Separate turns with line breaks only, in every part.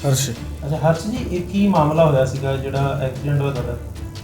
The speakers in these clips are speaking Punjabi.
ਹਰਸ਼।
ਅੱਛਾ ਹਰਸ਼ ਜੀ, ਇਹ ਕੀ ਮਾਮਲਾ ਹੋਇਆ ਸੀਗਾ ਜਿਹੜਾ ਐਕਸੀਡੈਂਟ ਹੋਇਆ ਤੁਹਾਡਾ?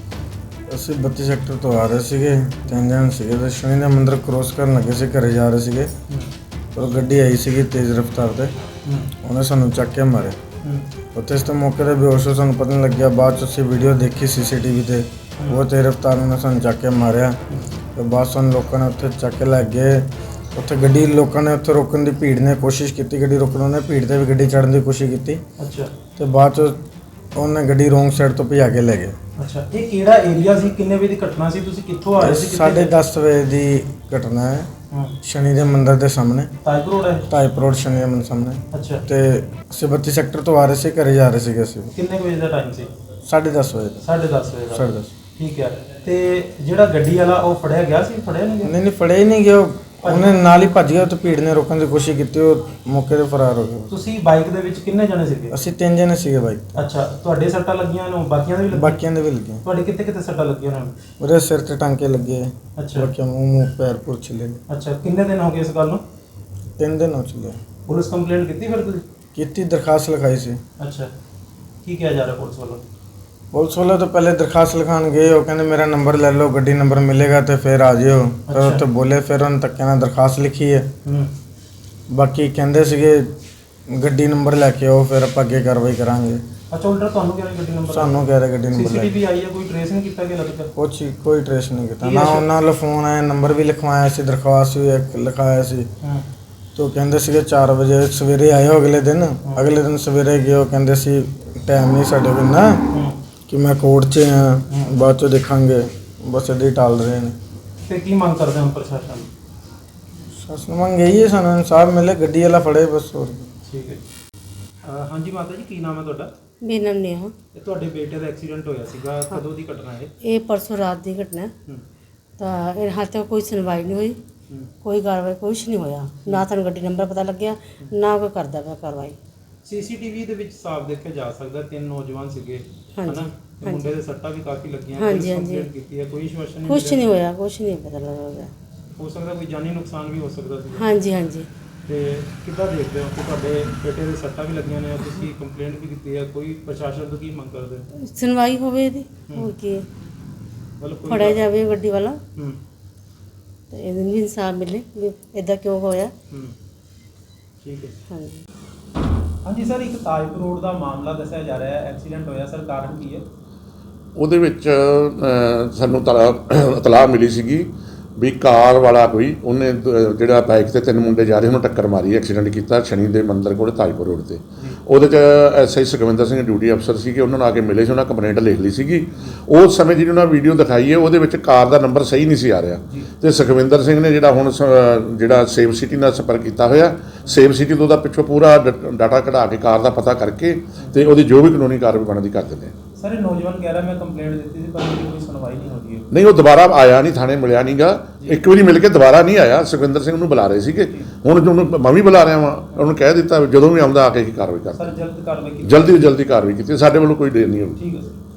ਅਸੀਂ 32 ਸੈਕਟਰ ਤੋਂ ਆ ਰਹੇ ਸੀਗੇ, 3 ਜਣ ਸੀਗੇ ਤੇ ਸ਼ਨੀ ਦਾ ਮੰਦਿਰ ਕ੍ਰੋਸ ਕਰਨ ਲੱਗੇ ਸੀ, ਘਰੇ ਜਾ ਰਹੇ ਸੀਗੇ। ਪਰ ਗੱਡੀ ਆਈ ਸੀਗੀ ਤੇਜ਼ ਰਫ਼ਤਾਰ ਤੇ, ਉਹਨੇ ਸਾਨੂੰ ਚੱਕ ਕੇ ਮਾਰਿਆ। ਉੱਥੇ ਇਸ ਤੋਂ ਮੌਕੇ 'ਤੇ ਬੇਹੋਸ਼ ਹੋ, ਸਾਨੂੰ ਪਤਾ ਨਹੀਂ ਲੱਗਿਆ। ਬਾਅਦ 'ਚ ਅਸੀਂ ਵੀਡੀਓ ਦੇਖੀ CCTV ਤੇ, ਉਹ ਤੇਜ਼ ਰਫ਼ਤਾਰ ਨੇ ਸਾਨੂੰ ਚੱਕ ਕੇ ਮਾਰਿਆ। ਤੇ ਬਾਅਦ ਸਾਨੂੰ ਲੋਕਾਂ ਨੇ ਉੱਥੇ ਚੱਕ ਕੇ ਲੈ ਗਏ। ਉੱਥੇ ਗੱਡੀ ਲੋਕਾਂ ਨੇ ਉੱਥੇ ਰੋਕਣ ਦੀ, ਭੀੜ ਨੇ ਕੋਸ਼ਿਸ਼ ਕੀਤੀ ਗੱਡੀ ਰੋਕਣ, ਉਹਨੇ ਭੀੜ 'ਤੇ ਵੀ ਗੱਡੀ ਚੜ੍ਹਨ ਦੀ ਕੋਸ਼ਿਸ਼ ਕੀਤੀ।
ਅੱਛਾ।
ਤੇ ਬਾਅਦ 'ਚ ਉਹਨੇ ਗੱਡੀ ਰੋਂਗ ਸਾਈਡ ਤੋਂ ਭਜਾ ਕੇ ਲੈ ਗਏ।
ਅੱਛਾ, ਇਹ ਕਿਹੜਾ ਏਰੀਆ ਸੀ? ਕਿੰਨੇ ਵਜੇ ਦੀ ਘਟਨਾ ਸੀ? ਤੁਸੀਂ ਕਿੱਥੋਂ ਆ ਰਹੇ ਸੀ?
10:30 ਵਜੇ ਦੀ ਘਟਨਾ ਹੈ। ਸ਼ਨੀ ਦੇ ਮੰਦਿਰ ਦੇ ਸਾਹਮਣੇ,
ਟਾਈਪ ਰੋਡ ਹੈ।
ਟਾਈਪ ਰੋਡ ਸ਼ਨੀ ਦੇ ਮੰਦਿਰ ਸਾਹਮਣੇ।
ਅੱਛਾ।
ਤੇ ਅਸੀਂ 32 ਸੈਕਟਰ ਤੋਂ ਆ ਰਹੇ ਸੀ, ਘਰੇ ਜਾ ਰਹੇ ਸੀਗੇ ਅਸੀਂ।
ਕਿੰਨੇ ਵਜੇ ਦਾ ਟਾਈਮ ਸੀ?
10:30 ਵਜੇ ਦਾ।
10:30 ਵਜੇ ਦਾ।
10:30।
ਠੀਕ ਹੈ। ਤੇ ਜਿਹੜਾ ਗੱਡੀ ਵਾਲਾ ਉਹ ਫੜਿਆ ਗਿਆ ਸੀ? ਫੜਿਆ ਨਹੀਂ ਗਿਆ?
ਨਹੀਂ ਫੜਿਆ ਹੀ ਨਹੀਂ ਗਿਆ। ਉਹਨੇ ਨਾਲ ਹੀ ਭੱਜ ਗਿਆ ਤੇ ਭੀੜ ਨੇ ਰੋਕਣ ਦੀ ਕੋਸ਼ਿਸ਼ ਕੀਤੀ, ਉਹ ਮੌਕੇ 'ਤੇ ਫਰਾਰ ਹੋ ਗਿਆ।
ਤੁਸੀਂ ਬਾਈਕ ਦੇ ਵਿੱਚ ਕਿੰਨੇ ਜਣੇ ਸੀਗੇ?
ਅਸੀਂ 3 ਜਣੇ ਸੀਗੇ ਬਾਈਕ।
ਅੱਛਾ, ਤੁਹਾਡੇ ਸੱਟਾਂ ਲੱਗੀਆਂ ਨੇ? ਬਾਕੀਆਂ ਦੇ ਵੀ ਲੱਗੀਆਂ?
ਬਾਕੀਆਂ ਦੇ ਵੀ ਲੱਗੀਆਂ।
ਤੁਹਾਡੇ ਕਿੱਥੇ ਕਿੱਥੇ ਸੱਟਾਂ ਲੱਗੀਆਂ ਨੇ?
ਉਹਦੇ ਸਿਰ ਤੇ ਟਾਂਕੇ ਲੱਗੇ।
ਅੱਛਾ।
ਬਾਕੀਆਂ ਮੂੰਹ ਪੈਰ ਪੁਰ ਛਿੱਲੇ ਨੇ।
ਅੱਛਾ, ਕਿੰਨੇ ਦਿਨ ਹੋ ਗਏ ਇਸ ਗੱਲ ਨੂੰ?
3 ਦਿਨ ਹੋ ਚੁੱਕੇ।
ਪੁਲਿਸ ਕੰਪਲੇਂਟ ਕੀਤੀ ਫਿਰ ਤੁਸੀਂ?
ਕੀਤੀ, ਦਰਖਾਸਤ ਲਿਖਾਈ ਸੀ।
ਅੱਛਾ, ਕੀ ਕਿਹਾ ਜਾ ਰਿਹਾ ਪੁਲਿਸ ਵੱਲੋਂ?
ਪੁਲਿਸ ਵਾਲੇ ਤਾਂ ਪਹਿਲੇ ਦਰਖਾਸਤ ਲਿਖਾਉਣ ਗਏ, ਉਹ ਕਹਿੰਦੇ ਮੇਰਾ ਨੰਬਰ ਲੈ ਲਓ, ਗੱਡੀ ਨੰਬਰ ਮਿਲੇਗਾ ਤੇ ਫਿਰ ਆ ਜਿਓ। ਫਿਰ ਉੱਥੇ ਬੋਲੇ, ਫਿਰ ਉਹਨਾਂ ਧੱਕੇ ਨਾਲ ਦਰਖਾਸਤ ਲਿਖੀ ਹੈ। ਬਾਕੀ ਕਹਿੰਦੇ ਸੀਗੇ ਗੱਡੀ ਨੰਬਰ ਲੈ ਕੇ ਆਓ, ਫਿਰ ਆਪਾਂ ਅੱਗੇ ਕਾਰਵਾਈ ਕਰਾਂਗੇ।
ਅੱਛਾ, ਉਲਟਾ ਤੁਹਾਨੂੰ ਕਹਿ ਰਹੇ ਗੱਡੀ ਨੰਬਰ?
ਸਾਨੂੰ ਕਹਿ ਰਹੇ ਗੱਡੀ ਨੰਬਰ ਲੈ ਕੇ।
CCTV ਆਈ ਹੈ, ਕੋਈ ਟ੍ਰੇਸ ਨਹੀਂ ਕੀਤਾ ਗਿਆ ਲੱਗਦਾ?
ਕੋਈ ਟ੍ਰੇਸ ਨਹੀਂ ਕੀਤਾ ਨਾ। ਉਹਨਾਂ ਵੱਲੋਂ ਫੋਨ ਆਇਆ, ਨੰਬਰ ਵੀ ਲਿਖਵਾਇਆ ਸੀ, ਦਰਖਾਸਤ ਵੀ ਲਿਖਾਇਆ ਸੀ। ਤੋ ਕਹਿੰਦੇ ਸੀਗੇ 4 ਵਜੇ ਸਵੇਰੇ ਆਇਓ। ਅਗਲੇ ਦਿਨ ਸਵੇਰੇ ਗਏ, ਉਹ ਕਹਿੰਦੇ ਸੀ ਟਾਈਮ ਨਹੀਂ ਸਾਡੇ ਕੋਲ ਨਾ, ਕਿ ਮੈਂ ਕੋਰਟ 'ਚ ਹਾਂ, ਬਾਅਦ 'ਚੋਂ ਦੇਖਾਂਗੇ। ਬਸ ਇੱਦਾਂ ਹੀ ਟਾਲ ਰਹੇ ਨੇ।
ਤੇ ਕੀ ਮੰਗ ਕਰਦੇ ਹੋ ਪ੍ਰਸ਼ਾਸਨ?
ਸ਼ਾਸਨ ਮੰਗ ਇਹੀ ਹੈ, ਸਾਨੂੰ ਇਨਸਾਫ ਮਿਲੇ, ਗੱਡੀ ਵਾਲਾ ਫੜੇ ਬਸ। ਹੋਰ
ਠੀਕ ਹੈ। ਹਾਂਜੀ ਮਾਤਾ ਜੀ, ਕੀ ਨਾਮ ਹੈ ਤੁਹਾਡਾ?
ਮੇਰਾ ਨਾਮ ਨੇਹਾ।
ਇਹ ਤੁਹਾਡੇ ਬੇਟੇ ਦਾ ਐਕਸੀਡੈਂਟ ਹੋਇਆ ਸੀਗਾ, ਕਦੋਂ ਦੀ ਘਟਨਾ ਹੈ?
ਇਹ ਪਰਸੋਂ ਰਾਤ ਦੀ ਘਟਨਾ ਹੈ। ਤਾਂ ਇਹ ਹਾਲੇ ਤੱਕ ਕੋਈ ਸੁਣਵਾਈ ਨਹੀਂ ਹੋਈ, ਕੋਈ ਕਾਰਵਾਈ ਕੁਛ ਨਹੀਂ ਹੋਇਆ। ਨਾ ਤੁਹਾਨੂੰ ਗੱਡੀ ਨੰਬਰ ਪਤਾ ਲੱਗਿਆ, ਨਾ ਕੋਈ ਕਰਦਾ ਪਿਆ ਕਾਰਵਾਈ।
CCTV ਦੇ ਵਿੱਚ ਸਾਫ਼ ਦੇਖਿਆ ਜਾ ਸਕਦਾ 3 ਨੌਜਵਾਨ ਸੀਗੇ,
ਹਾਂਜੀ,
ਹਨਾ? ਤੇ ਮੁੰਡੇ ਦੇ ਸੱਟਾਂ ਵੀ ਕਾਫੀ ਲੱਗੀਆਂ।
ਹਾਂਜੀ,
ਕੰਪਲੇਂਟ ਕੀਤੀ ਹੈ, ਕੋਈ ਆਸ਼ਵਾਸਨ ਨਹੀਂ
ਕੁਛ ਨਹੀਂ ਹੋਇਆ, ਕੁਛ ਨਹੀਂ ਪਤਾ ਲੱਗਾ।
ਹੋ ਸਕਦਾ ਕੋਈ ਜਾਨੀ ਨੁਕਸਾਨ ਵੀ ਹੋ ਸਕਦਾ ਸੀ।
ਹਾਂਜੀ ਹਾਂਜੀ।
ਤੇ ਕਿੱਦਾਂ ਦੇਖਦੇ ਹੋ ਕਿ ਤੁਹਾਡੇ ਬੇਟੇ ਦੇ ਸੱਟਾਂ ਵੀ ਲੱਗੀਆਂ ਨੇ, ਤੁਸੀਂ ਕੰਪਲੇਂਟ ਵੀ ਕੀਤੀ ਹੈ, ਕੋਈ ਪ੍ਰਸ਼ਾਸਨ ਤੋਂ ਕੀ ਮੰਗ ਕਰਦੇ ਹੋ?
ਸੁਣਵਾਈ ਹੋਵੇ ਇਹਦੀ, ਹੋਰ ਕੀ ਹੈ।
ਮਤਲਬ ਕੋਈ
ਫੜਿਆ ਜਾਵੇ ਗੱਡੀ ਵਾਲਾ,
ਹੂੰ
ਤੇ ਇਹਨੂੰ ਵੀ ਇਨਸਾਫ ਮਿਲੇ ਵੀ ਇੱਦਾਂ ਕਿਉਂ ਹੋਇਆ।
ਠੀਕ ਹੈ।
ਹਾਂਜੀ
ਹਾਂਜੀ ਸਰ, ਇੱਕ ਤਾਜਪੁਰ ਰੋਡ ਦਾ ਮਾਮਲਾ ਦੱਸਿਆ ਜਾ ਰਿਹਾ ਹੈ, ਐਕਸੀਡੈਂਟ ਹੋਇਆ ਸਰ, ਕਾਰਨ ਕੀ ਹੈ?
ਉਹਦੇ ਵਿੱਚ ਸਾਨੂੰ ਇਤਲਾਹ ਮਿਲੀ ਸੀਗੀ ਵੀ ਕਾਰ ਵਾਲਾ ਕੋਈ, ਉਹਨੇ ਜਿਹੜਾ ਬਾਈਕ ਤੇ 3 ਮੁੰਡੇ ਜਾ ਰਹੇ ਉਹਨੂੰ ਟੱਕਰ ਮਾਰੀ, ਐਕਸੀਡੈਂਟ ਕੀਤਾ ਸ਼ਨੀ ਦੇ ਮੰਦਿਰ ਕੋਲ ਤਾਜਪੁਰ ਰੋਡ ਤੇ। ਉਹਦੇ 'ਚ SI ਸੁਖਵਿੰਦਰ ਸਿੰਘ ਡਿਊਟੀ ਅਫਸਰ ਸੀਗੇ, ਉਹਨਾਂ ਨੂੰ ਆ ਕੇ ਮਿਲੇ ਸੀ, ਉਹਨਾਂ ਕੰਪਲੇਂਟ ਲਿਖ ਲਈ ਸੀਗੀ। ਉਸ ਸਮੇਂ ਜਿਹੜੀ ਉਹਨਾਂ ਵੀਡੀਓ ਦਿਖਾਈ ਹੈ, ਉਹਦੇ ਵਿੱਚ ਕਾਰ ਦਾ ਨੰਬਰ ਸਹੀ ਨਹੀਂ ਸੀ ਆ ਰਿਹਾ। ਤੇ ਸੁਖਵਿੰਦਰ ਸਿੰਘ ਨੇ ਜਿਹੜਾ ਹੁਣ ਜਿਹੜਾ ਸੇਵ ਸਿਟੀ ਨਾਲ ਸੰਪਰਕ ਕੀਤਾ ਹੋਇਆ, ਸੇਵ ਸਿਟੀ ਤੋਂ ਉਹਦਾ ਪਿੱਛੋਂ ਪੂਰਾ ਡਾਟਾ ਕਢਾ ਕੇ ਕਾਰ ਦਾ ਪਤਾ ਕਰਕੇ ਤੇ ਉਹਦੀ ਜੋ ਵੀ ਕਾਨੂੰਨੀ ਕਾਰਵਾਈ ਬਣਦੀ ਕਰ ਦਿੰਦੇ ਆ।
ਸਰ ਇਹ ਨੌਜਵਾਨ ਕਹਿ ਰਿਹਾ ਮੈਂ ਕੰਪਲੇਂਟ ਦਿੱਤੀ ਸੀ ਪਰ ਕੋਈ ਸੁਣਵਾਈ ਨਹੀਂ ਹੋ ਰਹੀ ਹੈ।
ਨਹੀਂ, ਉਹ ਦੁਬਾਰਾ ਆਇਆ ਨਹੀਂ, ਥਾਣੇ ਮਿਲਿਆ ਨਹੀਂਗਾ। ਇੱਕ ਵਾਰੀ ਮਿਲ ਕੇ ਦੁਬਾਰਾ ਨਹੀਂ ਆਇਆ। ਸੁਖਵਿੰਦਰ ਸਿੰਘ ਨੂੰ ਬੁਲਾ ਰਹੇ ਸੀਗੇ, ਹੁਣ ਉਹਨੂੰ ਮੈਂ ਵੀ ਬੁਲਾ ਰਿਹਾ ਵਾਂ। ਉਹਨੂੰ ਕਹਿ ਦਿੱਤਾ ਜਦੋਂ ਵੀ ਆਉਂਦਾ ਆ ਕੇ ਹੀ ਕਾਰਵਾਈ ਕਰ।
ਸਰ ਜਲਦ ਕਾਰਵਾਈ ਕੀਤੀ?
ਜਲਦੀ ਕਾਰਵਾਈ ਕੀਤੀ, ਸਾਡੇ ਵੱਲੋਂ ਕੋਈ ਦੇਰ ਨਹੀਂ ਹੋਊਗੀ।
ਠੀਕ ਹੈ ਸਰ।